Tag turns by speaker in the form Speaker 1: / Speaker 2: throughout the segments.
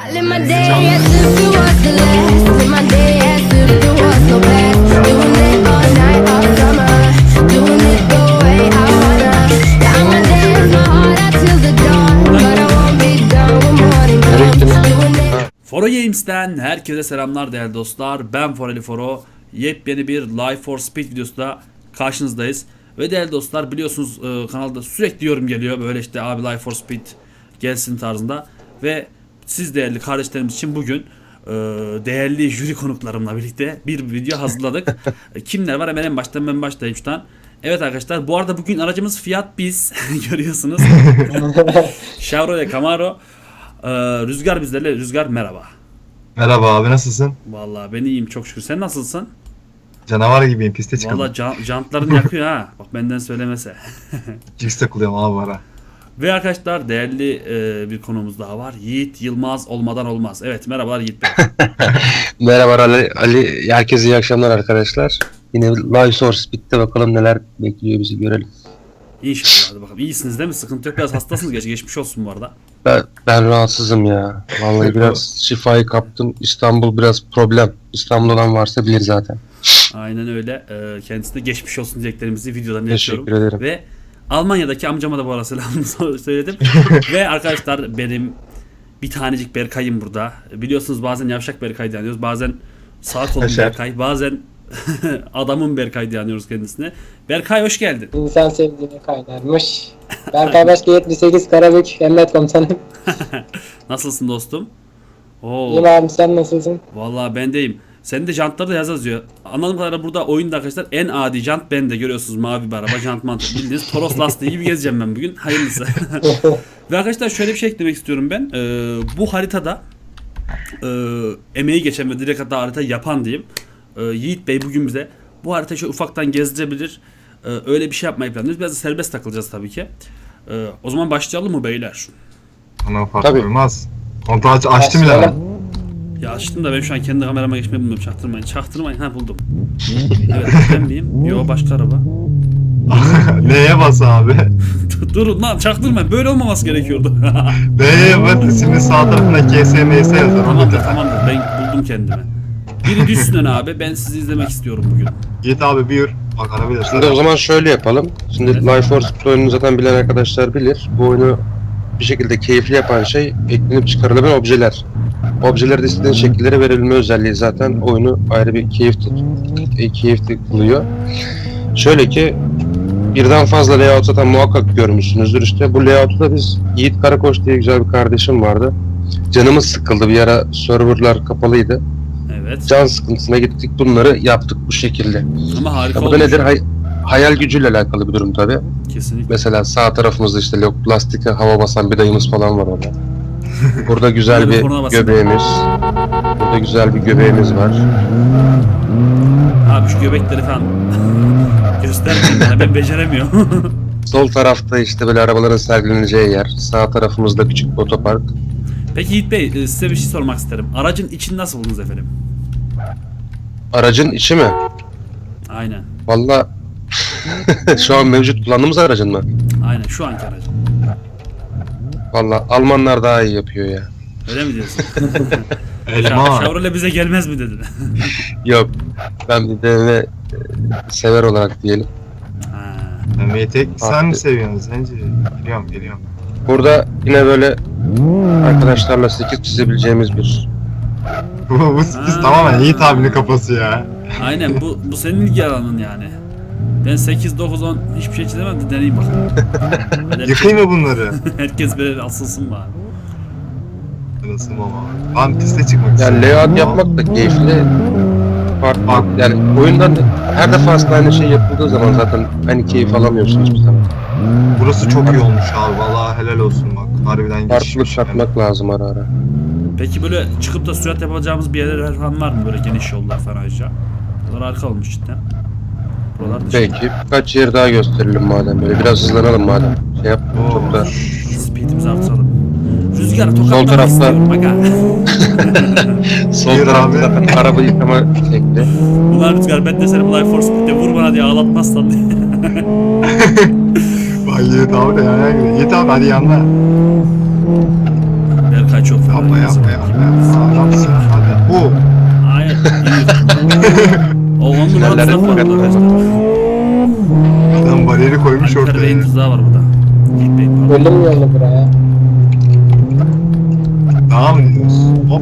Speaker 1: Live my day as if it was the last. Live my day as if there was no past. Doing it all night, all summer. Doing it the way I wanna. Yeah, I'ma dance my heart out till the dawn. But I won't be done when morning comes. Doing it.
Speaker 2: Foro Games'ten herkese selamlar değerli dostlar. Ben Foreli Foro. Yepyeni bir Life for Speed videosuyla karşınızdayız. Ve değerli dostlar biliyorsunuz kanalda sürekli yorum geliyor. Böyle işte abi Life for Speed gelsin tarzında. Ve siz değerli kardeşlerimiz için bugün değerli jüri konuklarımla birlikte bir video hazırladık. Kimler var hemen en baştan ben başlayayım şuradan. Evet arkadaşlar bu arada bugün aracımız Fiat Biz görüyorsunuz. Chevrolet Camaro. Rüzgar bizlerle. Rüzgar merhaba.
Speaker 3: Merhaba abi, nasılsın?
Speaker 2: Vallahi ben iyiyim çok şükür. Sen nasılsın?
Speaker 3: Canavar gibiyim, piste çıkalım.
Speaker 2: Vallahi jantların yakıyor ha. Bak benden söylemese.
Speaker 3: Jigs takılıyorum abi ara.
Speaker 2: Ve arkadaşlar değerli bir konumuz daha var. Yiğit Yılmaz olmadan olmaz. Evet merhabalar Yiğit Bey.
Speaker 4: Merhaba Ali. Herkese iyi akşamlar arkadaşlar. Yine Live Source bitti, bakalım neler bekliyor bizi görelim.
Speaker 2: İnşallah hadi bakalım. İyisiniz değil mi? Sıkıntı yok. Biraz hastasınız. Geçmiş olsun bu arada.
Speaker 4: Ben rahatsızım ya. Vallahi biraz şifayı kaptım. İstanbul biraz problem. İstanbul olan varsa bilir zaten.
Speaker 2: Aynen öyle. Kendisine geçmiş olsun dileklerimizi videodan iletiyorum.
Speaker 4: Teşekkür ederim.
Speaker 2: Ve Almanya'daki amcama da bu arada selamını söyledim. Ve arkadaşlar benim bir tanecik Berkay'ım burada. Biliyorsunuz bazen yavşak Berkay diyoruz. Bazen sağ kolum Berkay. Bazen adamın Berkay diyoruz kendisine. Berkay hoş geldin.
Speaker 5: İnsan sevdiğine kaynarmış. Berkay Başka 78 Karabük Emret Komutanım.
Speaker 2: Nasılsın dostum? Oo.
Speaker 5: İyiyim abi, sen nasılsın?
Speaker 2: Vallahi ben deyim. Senin de jantları da yazıyor. Anladığım kadarıyla burada oyunda arkadaşlar en adi jant bende. Görüyorsunuz mavi bir araba jant mantığı. Bildiğiniz Toros lastiği gibi gezeceğim ben bugün. Hayırlısı. Ve arkadaşlar şöyle bir şey eklemek istiyorum ben. Bu haritada emeği geçen ve direkt hatta harita yapan diyeyim. Yiğit Bey bugün bize bu haritayı şöyle ufaktan gezdirebilir. Öyle bir şey yapmayı planlıyoruz. Biraz da serbest takılacağız tabii ki. O zaman başlayalım mı beyler?
Speaker 3: Bana fark
Speaker 4: Tabii.
Speaker 3: olmaz. Kontrol açtım bile ben.
Speaker 2: Ya açtım da ben şu an kendi kamerama geçmeyi bilmiyorum. Çaktırmayın. Çaktırmayın. Ha buldum. Evet ben miyim? Yo başka araba.
Speaker 3: Neye bas abi?
Speaker 2: Durun lan çaktırmayın. Böyle olmaması gerekiyordu.
Speaker 3: Neye bas? Şimdi sağ tarafında KSMS yazar.
Speaker 2: Tamamdır. Ben buldum kendimi. Biri düşsün abi. Ben sizi izlemek istiyorum bugün.
Speaker 3: Git abi buyur. Bak arabaya
Speaker 4: Şimdi o zaman şöyle yapalım. Şimdi Live Force oyununu zaten bilen arkadaşlar bilir. Bu oyunu bir şekilde keyifli yapan şey eklenip çıkarılabilen objeler. Objeler de istediğin şekillere verilme özelliği zaten oyunu ayrı bir keyifli kılıyor. Şöyle ki birden fazla layout zaten muhakkak görmüşsünüzdür işte. Bu layout'u da biz Yiğit Karakoç diye güzel bir kardeşim vardı. Canımız sıkıldı, bir ara serverlar kapalıydı.
Speaker 2: Evet.
Speaker 4: Can sıkıntısına gittik, bunları yaptık bu şekilde.
Speaker 2: Ama harika
Speaker 4: Ya bu da
Speaker 2: olmuş.
Speaker 4: nedir? Hayal gücüyle alakalı bir durum tabi.
Speaker 2: Kesinlikle.
Speaker 4: Mesela sağ tarafımızda işte plastike hava basan bir dayımız falan var orada. Burada güzel
Speaker 2: Böyle
Speaker 4: bir
Speaker 2: korna basın.
Speaker 4: göbeğimiz. Burada güzel bir göbeğimiz var.
Speaker 2: Abi şu göbekleri falan göstermeyin bana. Ben beceremiyorum.
Speaker 4: Sol tarafta işte böyle arabaların sergileneceği yer. Sağ tarafımızda küçük bir otopark.
Speaker 2: Peki Yiğit Bey size bir şey sormak isterim. Aracın içini nasıl buldunuz efendim?
Speaker 4: Aracın içi mi?
Speaker 2: Aynen.
Speaker 4: Vallahi şu an mevcut kullandığımız aracın mı?
Speaker 2: Aynen şu anki aracın.
Speaker 4: Vallahi Almanlar daha iyi yapıyor ya.
Speaker 2: Öyle mi diyorsun?
Speaker 3: Elma.
Speaker 2: Chevrolet bize gelmez mi dedin?
Speaker 4: Yok. Ben bir BMW sever olarak diyelim.
Speaker 2: Ha.
Speaker 3: Tek sen mi seviyorsun Zenci? Geliyorum.
Speaker 4: Burada yine böyle arkadaşlarla 8 çizebileceğimiz bir...
Speaker 3: Bu sikiz tamamen Yiğit abinin kafası ya.
Speaker 2: Aynen bu senin ilgi alanın yani. Ben 8, 9, 10 hiçbir şey çizemem de deneyeyim bakalım.
Speaker 3: Yıkayım mı bunları?
Speaker 2: Herkes böyle asılsın bari.
Speaker 3: Nasıl baba? Ben piste çıkmak istiyorum.
Speaker 4: Yani layout yapmak da keyifli. Farklı. Yani oyundan her defasında aynı şey yapıldığı zaman zaten aynı keyif alamıyorsunuz hiçbir zaman.
Speaker 3: Burası çok iyi olmuş abi. Vallahi helal olsun bak. Harbiden
Speaker 4: Farklılık
Speaker 3: geçişmiş.
Speaker 4: katmak lazım ara ara.
Speaker 2: Peki böyle çıkıp da sürat yapacağımız bir yerler falan var mı? Böyle geniş yollar falan ayrıca. Buralar harika olmuş cidden. Buralar dışında.
Speaker 4: Peki birkaç yer daha gösterelim madem böyle. Biraz hızlanalım madem. Şey yap çok da.
Speaker 2: Speedimizi artıralım. Rüzgarı
Speaker 4: Sol
Speaker 2: tokatlamak
Speaker 4: tarafta-
Speaker 2: istiyorum aga.
Speaker 4: Sol
Speaker 3: Yürü
Speaker 4: tarafta
Speaker 3: abi.
Speaker 4: zaten araba yıkama şekli.
Speaker 2: Ulan Rüzgar ben de seni bu Life for Speed'de vur bana diye ağlatmazsan diye.
Speaker 3: Vay Yiğit abi de yani. Yiğit abi hadi yanına.
Speaker 2: Berkay çok fena.
Speaker 3: Yapma yapma yapma. Adamsın. Hadi. Bu.
Speaker 2: Hayır. iyi. O 10 numara
Speaker 4: Tünellere
Speaker 2: tuzak var
Speaker 4: dikkat.
Speaker 2: arkadaşlar.
Speaker 3: Adam bariyeri koymuş
Speaker 2: Alper
Speaker 3: ortaya.
Speaker 2: Bey'in tuzağı var burada. Yiğit Bey pardon.
Speaker 5: Bölüm yolu buraya.
Speaker 3: Daha mı diyorsun? Hop.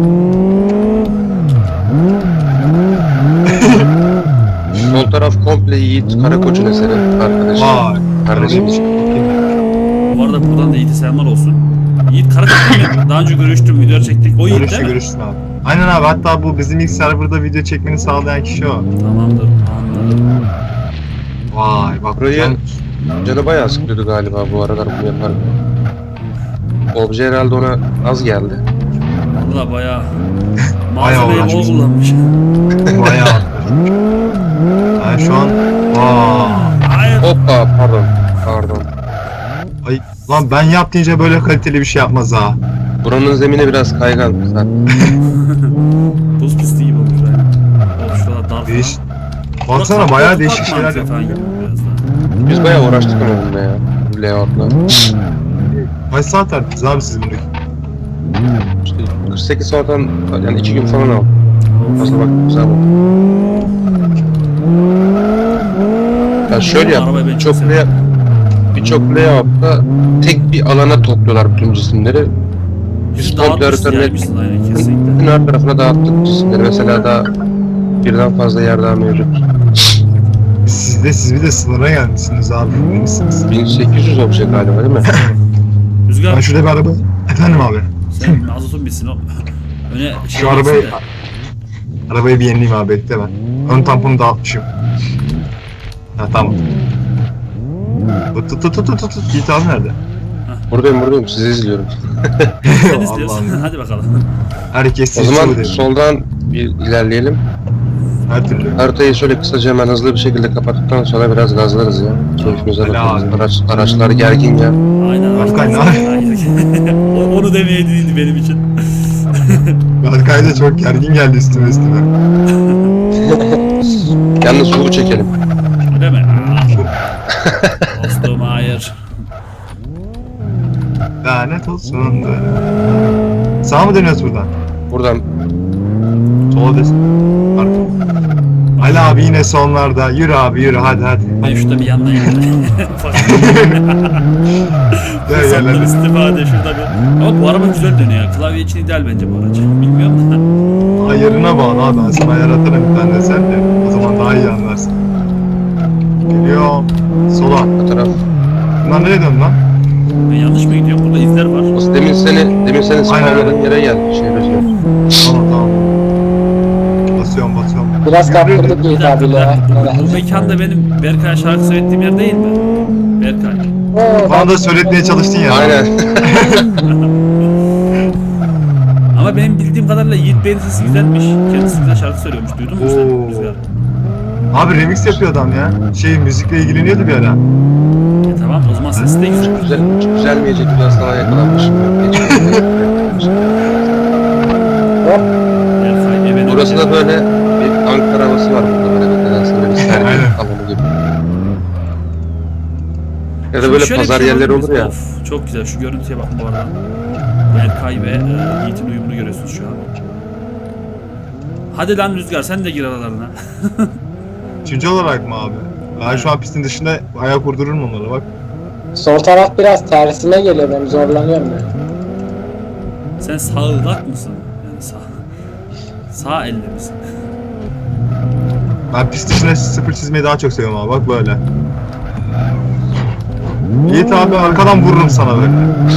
Speaker 4: Sol taraf komple Yiğit Karakoç'un eseri arkadaşım.
Speaker 3: Vay.
Speaker 4: Kardeşimiz.
Speaker 2: Bu arada buradan da Yiğit'e selamlar olsun. Yiğit Karaköy'le daha önce görüştüm, video çektik. O Yiğit
Speaker 3: Görüşte
Speaker 2: değil mi?
Speaker 3: görüştün abi. Aynen abi, hatta bu bizim ilk serverda video çekmeni sağlayan kişi o.
Speaker 2: Tamamdır, anladım.
Speaker 3: Vay bak
Speaker 4: Burayı-
Speaker 3: can.
Speaker 4: Canı bayağı sıkıyordu galiba bu aralar bunu yaparken. Obje herhalde ona az geldi.
Speaker 2: Valla bayağı
Speaker 3: Bayağı
Speaker 2: malzemeyi bol
Speaker 3: uğraşmış.
Speaker 2: kullanmış.
Speaker 3: Bayağı atmış. Yani şu an
Speaker 2: Hayır.
Speaker 4: Hoppa pardon.
Speaker 3: ay lan ben yap deyince böyle kaliteli bir şey yapmaz ha.
Speaker 4: Buranın zemini biraz kaygan zaten.
Speaker 2: Buz pisti gibi olmuş yani. Of şurada dar
Speaker 3: Değiş.
Speaker 2: falan.
Speaker 3: Baksana
Speaker 2: Burada
Speaker 3: bayağı
Speaker 2: kapı
Speaker 3: değişik
Speaker 2: tutmak
Speaker 3: şeyler
Speaker 2: mantığı falan
Speaker 3: yapıyor.
Speaker 2: gibi biraz daha.
Speaker 4: Biz bayağı uğraştık ama bunda ya. Layout'la.
Speaker 3: Kaç saat verdiniz abi siz bunu?
Speaker 4: İşte 48 saatten yani 2 gün falan aldı. Fazla bak güzel bak. Ya şöyle yap.
Speaker 2: Arabayı ben çok
Speaker 4: Birçok
Speaker 2: seviyorum.
Speaker 4: birçok layout'ta tek bir alana topluyorlar bütün cisimleri.
Speaker 2: Bizi
Speaker 4: Biz komple
Speaker 2: dağıtmışsın
Speaker 4: haritanın
Speaker 2: yaymışsın aynen kesinlikle.
Speaker 4: bütün her tarafına dağıttık cisimleri. Mesela daha birden fazla yer daha mevcut.
Speaker 3: Siz bir de sınıra gelmişsiniz abi. Emin misiniz?
Speaker 4: 1800 obje galiba değil mi?
Speaker 2: Rüzgar
Speaker 3: Ben şurada bir araba... Efendim abi.
Speaker 2: sen mazotun bitsin o. Öne şey
Speaker 3: Şu arabayı...
Speaker 2: geçsin de.
Speaker 3: Arabayı bir yenileyim abi, bekle ben. Ön tamponu dağıtmışım. Ha tamam. Tut. Git abi nerede?
Speaker 4: Buradayım sizi izliyorum.
Speaker 2: Sen istiyorsun.
Speaker 3: Allah'ım.
Speaker 2: Hadi bakalım.
Speaker 3: Herkes
Speaker 4: O
Speaker 3: sizce
Speaker 4: zaman
Speaker 3: bu değil.
Speaker 4: soldan bir ilerleyelim.
Speaker 3: Her türlü.
Speaker 4: Haritayı şöyle kısaca hemen hızlı bir şekilde kapattıktan sonra biraz gazlarız ya. Keyfimize
Speaker 3: Helal.
Speaker 4: bakarız. Araçlar gergin ya.
Speaker 2: Aynen.
Speaker 3: Berkay, ne
Speaker 2: Onu demeye değildi benim için.
Speaker 3: Berkay da çok gergin geldi üstüme.
Speaker 4: Yalnız su çekelim.
Speaker 2: Öyle mi? Dostum hayır.
Speaker 3: Lanet olsun. Sağa mı dönüyoruz buradan?
Speaker 4: Buradan
Speaker 3: Sola desin. Arka. Ali abi yine sonlarda. Yürü abi yürü, hadi.
Speaker 2: Ben şurada bir yandan yandan.
Speaker 3: Gel
Speaker 2: Fırsattan
Speaker 3: hadi.
Speaker 2: istifade şurada bir. Ama bu araba güzel dönüyor. Klavye için ideal bence bu aracı. Bilmiyorum da.
Speaker 3: Ayarına bağlı abi, ben sana ayar atarım bir tane, sen de. O zaman daha iyi anlarsın. Geliyorum. Sola.
Speaker 4: bu taraf.
Speaker 3: Bunlar nereye döndü lan?
Speaker 2: Ben yanlış mı gidiyorum? Burada izler var.
Speaker 4: Aslında demin senin spawnladığın yere gel. Şey Rüzgar.
Speaker 3: Tamam. Basıyorum.
Speaker 5: Biraz kaptırdık
Speaker 2: Bir
Speaker 5: Yiğit
Speaker 2: dakika, bir
Speaker 5: abiyle ya.
Speaker 2: dakika. Bu mekanda benim Berkay'a şarkı söylediğim yer değil mi? Berkay.
Speaker 5: Oo,
Speaker 3: Bana da söyletmeye çalıştın ya.
Speaker 4: Aynen.
Speaker 2: Ama benim bildiğim kadarıyla Yiğit Bey'in sesi güzelmiş. Kendisi güzel şarkı söylüyormuş. Duydun mu
Speaker 3: Oo.
Speaker 2: sen Rüzgar?
Speaker 3: Abi remix yapıyor adam ya. Müzikle ilgileniyordu bir ara.
Speaker 2: Tamam o zaman sesi de güzel.
Speaker 4: Güzelmeyecek bir hastalığa yakalanmışım.
Speaker 5: hop.
Speaker 2: Berkay evine
Speaker 4: Burası da böyle bir Ankara havası var burada, böyle bir nedense böyle bir sergi
Speaker 3: Aynen.
Speaker 4: alanı gibi. Ya da böyle
Speaker 2: Şöyle bir
Speaker 4: pazar
Speaker 2: şey
Speaker 4: yerleri
Speaker 2: yapabiliriz.
Speaker 4: olur ya.
Speaker 2: Of, çok güzel. Şu görüntüye bakın bu arada. Berkay ve Yiğit'in uyumunu görüyorsunuz şu an. Hadi lan Rüzgar sen de gir aralarına.
Speaker 3: Üçüncü olarak mı abi? Ben şu an pistin dışında ayak vurdururum onlara bak.
Speaker 5: Sol taraf biraz tersine geliyor, ben zorlanıyorum ya.
Speaker 2: Sen sağıldak mısın? Yani sağ elle misin?
Speaker 3: Ben pist dışına sıfır çizmeyi daha çok seviyorum abi, bak böyle. Yiğit abi arkadan vururum sana böyle.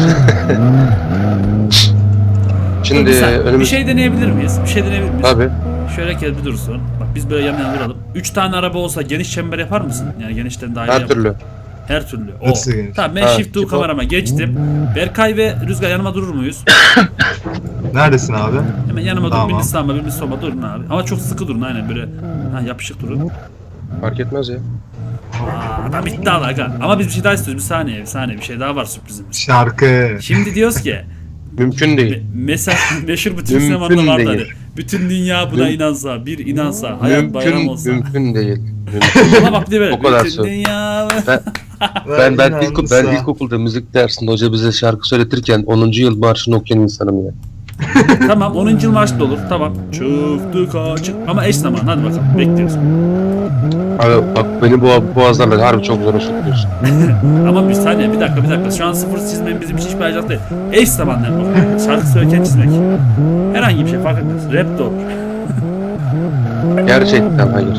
Speaker 4: Şimdi
Speaker 2: Bir
Speaker 4: önümüz...
Speaker 2: şey deneyebilir miyiz?
Speaker 4: Tabii.
Speaker 2: Şöyle kez bir dursun. Bak biz böyle yan yana duralım. 3 tane araba olsa geniş çember yapar mısın? Yani genişten daha iyi
Speaker 4: Her
Speaker 2: yap-
Speaker 4: türlü.
Speaker 2: Her türlü. O.
Speaker 3: Nasıl geniş?
Speaker 2: Tamam ben
Speaker 4: Ha,
Speaker 2: shift to
Speaker 4: tipo-
Speaker 2: kamerama geçtim. Berkay ve Rüzgar yanıma durur muyuz?
Speaker 3: Neredesin abi?
Speaker 2: Hemen yanıma
Speaker 3: Tamam.
Speaker 2: durun. Biriniz sağıma biriniz soluma durun abi. Ama çok sıkı durun aynen böyle. Ha yapışık durun.
Speaker 4: Fark etmez ya.
Speaker 2: Adam iddialı aga. Ama biz bir şey daha istiyoruz. Bir saniye bir şey daha var sürprizimiz.
Speaker 3: Şarkı.
Speaker 2: Şimdi diyoruz ki
Speaker 4: Mümkün değil.
Speaker 2: mesela meşhur bütün
Speaker 4: Mümkün
Speaker 2: sinemada vardı hani.
Speaker 4: değil.
Speaker 2: Bütün dünya buna inansa, bir inansa, hayat bayram olsa.
Speaker 4: Mümkün değil.
Speaker 2: Ama bak bir de böyle.
Speaker 4: O kadar
Speaker 2: bütün
Speaker 4: söz.
Speaker 2: dünya...
Speaker 4: Ben ilkokulda müzik dersinde hoca bize şarkı söyletirken 10. yıl marşını okuyan insanım ya.
Speaker 2: Tamam 10. yıl marşı da olur. Tamam. Çıktık açık. Ama eş zaman hadi bakalım bekliyoruz.
Speaker 4: Abi bak beni boğazlarla harbi çok zor sokuyorsun.
Speaker 2: Ama bir saniye bir dakika. Şu an sıfır çizmenin bizim için hiçbir ayrıcalık değil. Eş zamanlı yapmak. Şarkı söylerken çizmek. Herhangi bir şey fark etmez. Rap de olur.
Speaker 4: Gerçekten hayır.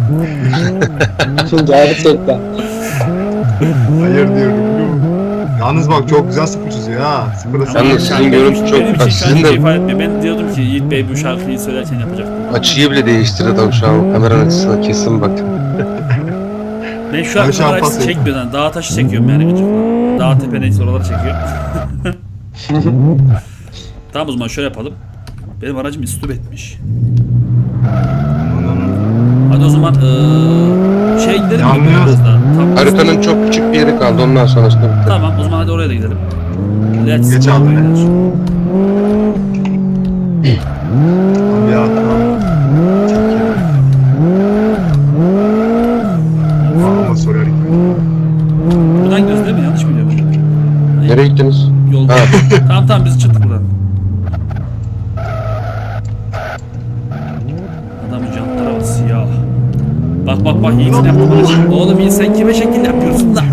Speaker 5: Gerçekten.
Speaker 3: Hayır diyorum. Yalnız bak çok güzel sıfır çiziyor ha. Sıfırda
Speaker 2: Ama
Speaker 3: sen
Speaker 4: Yalnız sizin görüntü çok...
Speaker 2: benim
Speaker 4: Bak
Speaker 2: için
Speaker 4: sizin
Speaker 2: şey
Speaker 4: de
Speaker 2: ifade etmiyor. Ben diyordum ki Yiğit Bey bu şarkıyı söylerken yapacaktım.
Speaker 4: açıyı bile değiştirdi adam şu an kameranın açısına kesin bak.
Speaker 2: Ben şu an
Speaker 3: Ben şu an
Speaker 2: kamera açısı
Speaker 3: pas
Speaker 2: çekmiyorum yani. Dağ taşı çekiyorum yani gıcıkla. Dağ tepe neyse oraları çekiyorum. Tamam o zaman şöyle yapalım. Benim aracım istop etmiş. Hadi o zaman şey gidelim mi?
Speaker 3: Yanlıyor.
Speaker 2: Biraz daha. Tamam.
Speaker 4: Haritanın çok küçük bir yeri kaldı ondan sonrasında bitti.
Speaker 2: Tamam o zaman hadi oraya da gidelim. Let's
Speaker 3: Geç
Speaker 2: go.
Speaker 3: abi.
Speaker 2: beyler.
Speaker 3: Bir atla. Çekiyor. Ama soruyor.
Speaker 2: Buradan gidiyoruz değil mi? Yanlış mı biliyorum?
Speaker 4: Nereye gittiniz?
Speaker 2: Yolda.
Speaker 4: Ha.
Speaker 2: Tamam biz çıktık buradan. Adamın jantlara bak siyah. Bak Yiğit'in yaptığını. Oğlum Yiğit sen kime şekil yapıyorsun da?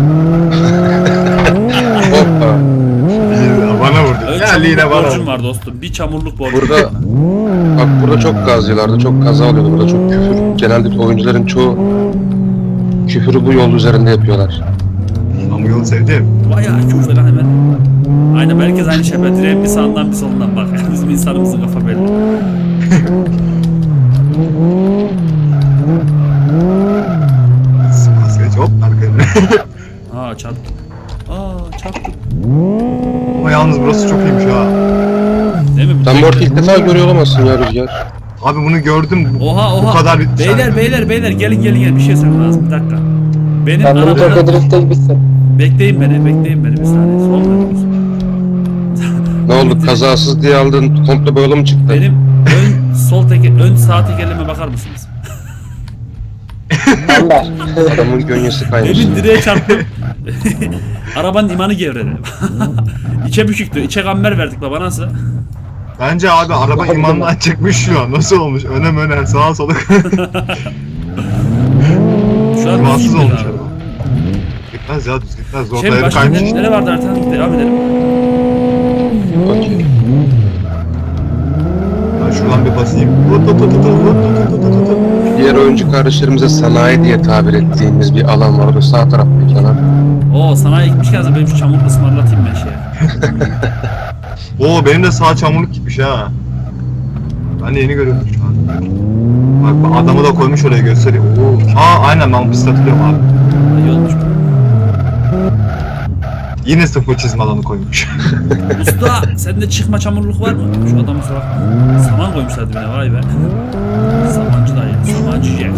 Speaker 4: Hoppa.
Speaker 3: Bana vurdu.
Speaker 2: Ön
Speaker 3: Ya
Speaker 2: çamurluk
Speaker 3: liğine bana
Speaker 2: borcum
Speaker 3: vurdu.
Speaker 2: var dostum. Bir çamurluk borcum.
Speaker 4: Burada bak burada çok gaz yiyorlardı, çok kaza oluyordu, burada çok küfür. Genelde oyuncuların çoğu küfürü bu yol üzerinde yapıyorlar.
Speaker 3: Ama yolu sevdim.
Speaker 2: Bayağı küfür lan hemen. Aynen herkes aynı şey. Ben direğin bir sağından bir solundan bak. Bizim insanımızın kafa belli.
Speaker 3: Sıkmaz geç hop arkaya.
Speaker 2: Aa çarptım.
Speaker 3: Ama yalnız burası çok iyiymiş ha.
Speaker 2: Değil mi?
Speaker 4: Sen bu arada ilk defa görüyor olamazsın ya Rüzgar.
Speaker 3: Abi bunu gördüm.
Speaker 2: Oha.
Speaker 3: Bu kadar bir...
Speaker 2: Beyler gelin bir şey söylemem lazım. Bir dakika. Benim
Speaker 5: Ben bunu
Speaker 2: arabada...
Speaker 5: Tokyo Drift'te gibisin.
Speaker 2: Bekleyin beni bir saniye. Sol dönüyoruz.
Speaker 4: Ne oldu kazasız diye aldın komple boyalı mı çıktı?
Speaker 2: Benim ön sağ tekerleme bakar mısınız?
Speaker 5: Amber.
Speaker 4: Adamın gönyesi kaymış.
Speaker 2: Demin direğe çarptım. Arabanın imanı gevredi. İçe büküktü. İçe kamber verdik baba nasıl?
Speaker 3: Bence abi araba imandan çıkmış şu an. Nasıl olmuş? Öne sağa sola.
Speaker 2: Şu an
Speaker 3: Rahatsız
Speaker 2: düz
Speaker 3: olmuş
Speaker 2: gitmedi abi.
Speaker 3: araba. Gitmez ya düz gitmez. Zor
Speaker 2: Şey
Speaker 3: dayanı
Speaker 2: başka
Speaker 3: kaymış.
Speaker 2: nere vardı artık? Devam edelim.
Speaker 4: Okey.
Speaker 3: Ben şuradan bir basayım.
Speaker 4: Diğer oyuncu kardeşlerimize sanayi diye tabir ettiğimiz bir alan var. Orada sağ taraftaki alan.
Speaker 2: Oo sanayi gitmişken de benim şu çamur ısmarlatayım ben şeye.
Speaker 3: Oo benim de sağ çamurluk gitmiş ha. Ben de yeni görüyorum şu an. Bak adamı da koymuş oraya göstereyim. Oo. Aynen ben pist hatırlıyorum abi.
Speaker 2: İyi olmuş.
Speaker 3: Yine sıfır çizme alanı koymuş.
Speaker 2: Usta sende çıkma çamurluk var mı? Şu adamı sorak. Saman koymuşlardı bana vay be. Samancı dayı. Samancı Jack.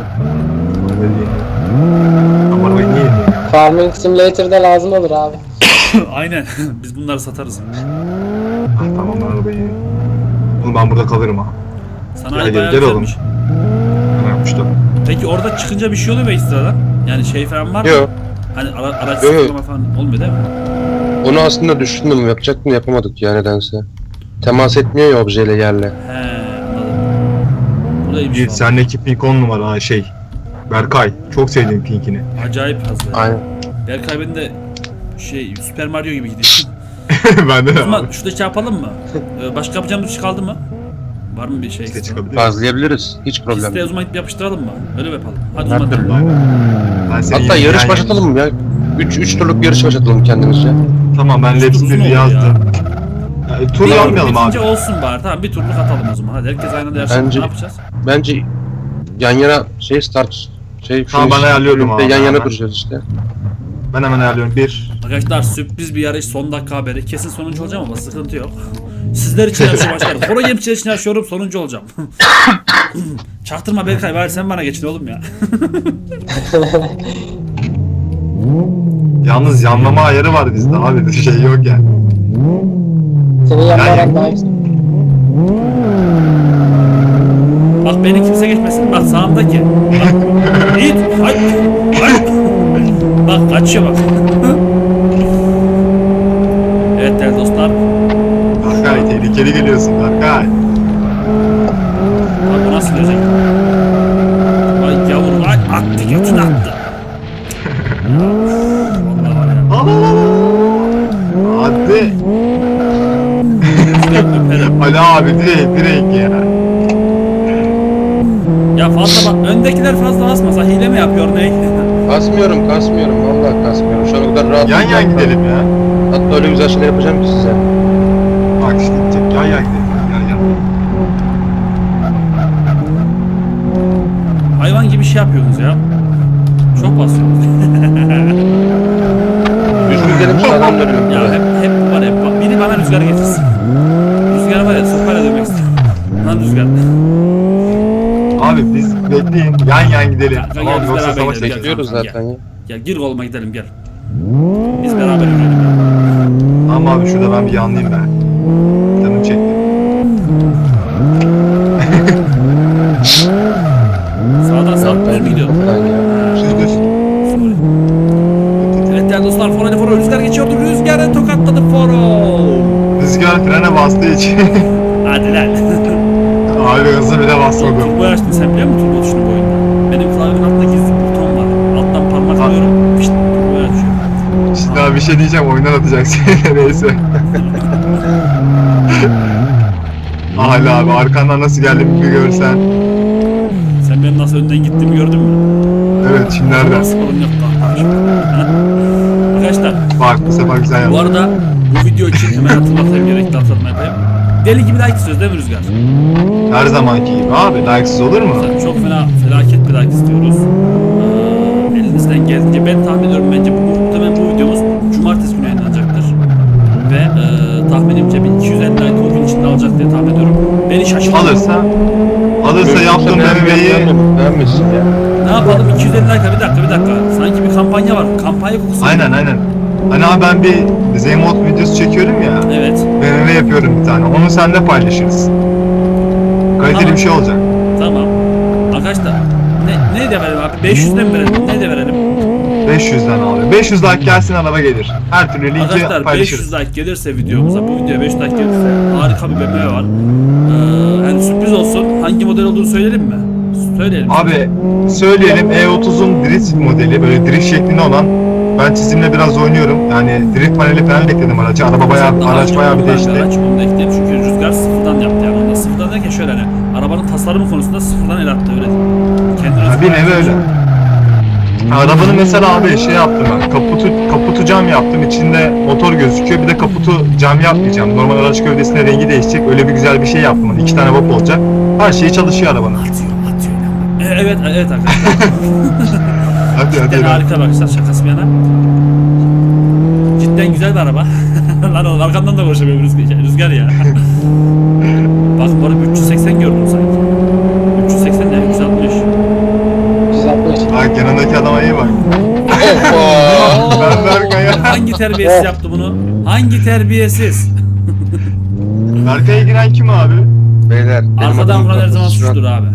Speaker 3: Ama arabayı niye yedin ya?
Speaker 5: Farming Simulator'da lazım olur abi.
Speaker 2: Aynen. Biz bunları satarız.
Speaker 3: Tamam ben arabayı yiyeyim. Oğlum ben burada kalırım ha.
Speaker 2: Sanayi
Speaker 3: Gel,
Speaker 2: bayağı
Speaker 3: gel oğlum.
Speaker 2: güzelmiş.
Speaker 3: Ben yapmıştım.
Speaker 2: Peki orada çıkınca bir şey oluyor mu ekstradan? Yani şey falan var mı?
Speaker 4: Yok.
Speaker 2: Hani araç
Speaker 4: Yok.
Speaker 2: sıfırlama falan olmuyor değil mi?
Speaker 4: Onu aslında düşündüm yapacaktım yapamadık ya nedense. Temas etmiyor ya objeyle yerle.
Speaker 2: He anladım. Bu da iyiymiş
Speaker 3: Yiğit
Speaker 2: valla.
Speaker 3: sendeki pink 10 numara ha şey. Berkay. Çok sevdiğim pinkini.
Speaker 2: Acayip hızlı.
Speaker 4: Aynen.
Speaker 2: Berkay benim de şey Super Mario gibi gidiyor.
Speaker 3: Bende
Speaker 2: O
Speaker 3: de
Speaker 2: zaman
Speaker 3: abi.
Speaker 2: şurada şey yapalım mı? Başka yapacağımız bir şey kaldı mı? Var mı bir şey?
Speaker 3: İşte
Speaker 2: ekstra?
Speaker 3: çıkabilir.
Speaker 4: Gazlayabiliriz. Hiç problem
Speaker 2: Piste o
Speaker 4: değil.
Speaker 2: zaman gidip yapıştıralım mı? Öyle mi yapalım? Hadi o
Speaker 4: Her
Speaker 2: zaman.
Speaker 4: türlü.
Speaker 3: Aynen. Ben seni
Speaker 4: Hatta
Speaker 3: yiyeyim,
Speaker 4: yarış
Speaker 3: yani.
Speaker 4: başlatalım mı ya? 3 turluk yarış başlatalım kendimizce.
Speaker 3: Tamam ben
Speaker 2: Uzun
Speaker 3: Laps'leri
Speaker 2: oluyor
Speaker 3: yazdım.
Speaker 2: ya.
Speaker 3: Ya, tur
Speaker 2: Bir
Speaker 3: yapmayalım abi.
Speaker 2: bitince olsun bari. Tamam bir turluk atalım o zaman. Hadi herkes aynı anda yarışalım.
Speaker 4: Bence-
Speaker 2: Ne yapacağız?
Speaker 4: Bence yan yana start
Speaker 3: Tamam, ben ayarlıyordum abi,
Speaker 4: Yan yana
Speaker 3: hemen.
Speaker 4: duracağız işte.
Speaker 3: Ben hemen ayarlıyorum. 1.
Speaker 2: Arkadaşlar sürpriz bir yarış son dakika haberi. Kesin sonuncu olacağım ama sıkıntı yok. Sizler için yarışıyor başlarım. Foro Gemçiler için yarışıyorum sonuncu olacağım. Çaktırma Berkay bari sen bana geçin oğlum ya.
Speaker 3: Yalnız yanlama ayarı var bizde abi. Bir şey yok yani.
Speaker 5: Senin yanlarak
Speaker 3: Yani-
Speaker 5: daha yüksek.
Speaker 2: Bak beni kimse geçmesin. Bak sağımdaki. Bak. Git. Hay. Hay. Bak Bak kaçıyor bak. Evet değerli dostlar.
Speaker 3: Berkay tehlikeli geliyorsun Berkay.
Speaker 2: Abi bu nasıl gelecek? Vay yavrum vay attı götünü attı. Ya, vallahi var ya.
Speaker 3: Al al al al. Hadi.
Speaker 2: Rüzgar öperim.
Speaker 3: Ali abi direkt ya.
Speaker 2: Ya fazla bak öndekiler fazla basmasa hile mi yapıyor ne?
Speaker 4: Kasmıyorum vallahi kasmıyorum. Şu an o kadar rahat.
Speaker 3: Yan gidelim ya.
Speaker 4: Hatta öyle güzel şeyler yapacağım ki size.
Speaker 3: Bak işte gidecek. Yan gidelim. Yan.
Speaker 2: Hayvan gibi şey yapıyorsunuz ya. Çok basıyorsunuz.
Speaker 4: Düzgün gidelim sağdan dönüyorum.
Speaker 2: Ya hep bu var hep. Biri bana rüzgar getirsin. Rüzgar var ya sopayla dövmek istiyorum. Lan rüzgar.
Speaker 3: Abi biz bekleyin. Yan gidelim.
Speaker 2: Ya,
Speaker 3: Tamam
Speaker 2: biz
Speaker 3: yoksa
Speaker 2: beraber
Speaker 3: savaş
Speaker 2: gidelim.
Speaker 3: çıkacak.
Speaker 4: Bekliyoruz zaten ya.
Speaker 2: Gel gir koluma gidelim gel. Biz beraber yürüyelim ya.
Speaker 3: Tamam abi şurada ben bir yanlayayım ben. Canım çekti.
Speaker 2: Sağdan sağ düz mü gidiyor?
Speaker 3: Düz.
Speaker 2: Sorry. Evet değerli dostlar Foro rüzgar geçiyordu. Rüzgarı tokatladı Foro.
Speaker 3: Rüzgar frene bastığı için.
Speaker 2: Hadi lan.
Speaker 3: Abi hızlı bile basmadım.
Speaker 2: Turbo açtın sen biliyor musun turbo tuşunu bu oyunda? Benim klavyemin altında gizli bir buton var. Alttan parmak alıyorum. Pişt turbo açıyor.
Speaker 3: Şimdi abi bir şey diyeceğim oyundan atacak seni neyse. Hala abi arkandan nasıl geldiğimi bir görsen.
Speaker 2: Sen benim nasıl önden gittiğimi gördün mü?
Speaker 3: Evet şimdi nereden?
Speaker 2: Sorun yok kardeşim. Arkadaşlar
Speaker 3: Bak bu sefer güzel
Speaker 2: bu
Speaker 3: yaptın.
Speaker 2: arada bu video için hemen hatırlatayım gerekli hatırlatma yapayım. Deli gibi like istiyoruz değil mi Rüzgar?
Speaker 3: Her zamanki gibi abi like'sız olur mu?
Speaker 2: Çok felaket bir like istiyoruz. Elinizden geldiğince ben tahmin ediyorum bence muhtemelen bu videomuz cumartesi günü yayınlanacaktır. Ve tahminimce 1250 like o gün içinde alacak diye tahmin ediyorum. Beni şaşırtın.
Speaker 3: Alırsa yaptığım BMW'yi
Speaker 4: Beğenmişsin ya.
Speaker 2: Ne yapalım 250 like bir dakika. Sanki bir kampanya var. Kampanya kokusu.
Speaker 3: aynen. Hani abi ben bir Z-Mod videosu çekiyorum ya.
Speaker 2: Evet.
Speaker 3: BMW yapıyorum bir tane. Onu seninle paylaşırız. Kaliteli
Speaker 2: Tamam.
Speaker 3: bir şey olacak.
Speaker 2: Tamam. Arkadaşlar ne de verelim abi? 500'den mi verelim? Ne de verelim?
Speaker 3: 500'den abi. 500 like gelsin araba gelir. Her türlü linki
Speaker 2: Arkadaşlar
Speaker 3: paylaşırız.
Speaker 2: 500 like gelirse videomuza, bu videoya 500 like gelirse harika bir BMW var. Yani sürpriz olsun. Hangi model olduğunu söyleyelim mi? Söyleyelim.
Speaker 3: Abi söyleyelim E30'un drift modeli böyle drift şeklinde olan ben çizimle biraz oynuyorum. Yani drift paneli falan ekledim araca. Araç bayağı bir değişti.
Speaker 2: Araç onu da ekleyelim çünkü Rüzgar sıfırdan yaptı yani. Onda sıfırdan derken şöyle hani arabanın tasarımı konusunda sıfırdan el attı öyle. Kendi
Speaker 3: Ha, bir nevi öyle. Arabanın mesela abi şey yaptım ben. Kaputu cam yaptım. İçinde motor gözüküyor. Bir de kaputu cam yapmayacağım. Normal araç gövdesine rengi değişecek. Öyle bir güzel bir şey yaptım. Hani 2 tane vap olacak. Her şey çalışıyor arabanın.
Speaker 2: Atıyor. Evet arkadaşlar.
Speaker 3: Hadi
Speaker 2: Cidden harika arkadaşlar şakası bir yana. Cidden güzel bir araba. Lan oğlum arkamdan da konuşamıyorum Rüzgar ya. Bak bu arada 380 gördüm sanki. 380 ne? 360.
Speaker 5: 160.
Speaker 3: Bak yanındaki adama iyi bak. Ben Berkay'a.
Speaker 2: Hangi terbiyesiz yaptı bunu? Hangi terbiyesiz?
Speaker 3: Berkay'a giren kim abi?
Speaker 4: Beyler. benim
Speaker 2: Arkadan
Speaker 4: adım
Speaker 2: vuran her zaman
Speaker 4: Murat.
Speaker 2: suçtur abi.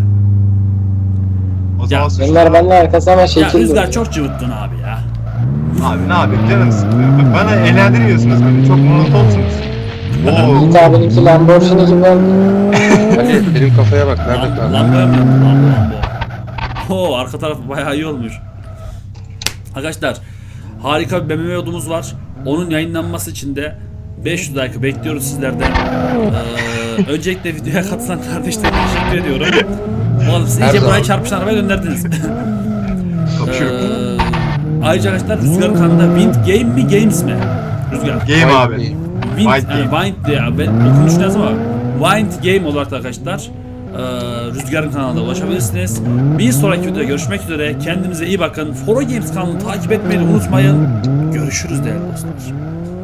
Speaker 3: O zaman
Speaker 2: Ya,
Speaker 3: suçlu.
Speaker 5: Bunlar benden arkası ama
Speaker 2: Ya
Speaker 5: şekil
Speaker 2: Rüzgar
Speaker 5: değil.
Speaker 2: çok cıvıttın abi ya.
Speaker 3: Abi ne yapayım canım sıkılıyor. Bak bana eğlendirmiyorsunuz beni. Çok monotonsunuz. Oo.
Speaker 5: Yiğit abininki Lamborghini gibi oldu.
Speaker 4: Ali benim kafaya bak. Nerede kaldı?
Speaker 2: Lambo'ya mı yaptın? Lambo. Oo arka taraf bayağı iyi olmuş. Arkadaşlar harika bir BMW yolumuz var. Onun yayınlanması için de 500 like bekliyoruz sizlerden. Öncelikle videoya katılan kardeşlerime teşekkür ediyorum. Oğlum siz
Speaker 4: Her
Speaker 2: iyice buraya
Speaker 4: zaman.
Speaker 2: çarpışan arabaya gönderdiniz.
Speaker 3: Kapışıyor.
Speaker 2: Ayrıca arkadaşlar Rüzgar'ın kanalında Wind Game mi Games mi? Rüzgar.
Speaker 3: Game abi.
Speaker 2: Wind,
Speaker 3: Wind Game.
Speaker 2: Wind ya ben okunuşunu yazdım ama Wind Game olarak da arkadaşlar Rüzgar'ın kanalına ulaşabilirsiniz. Bir sonraki videoda görüşmek üzere. Kendinize iyi bakın. Foro Games kanalını takip etmeyi unutmayın. Görüşürüz değerli dostlar.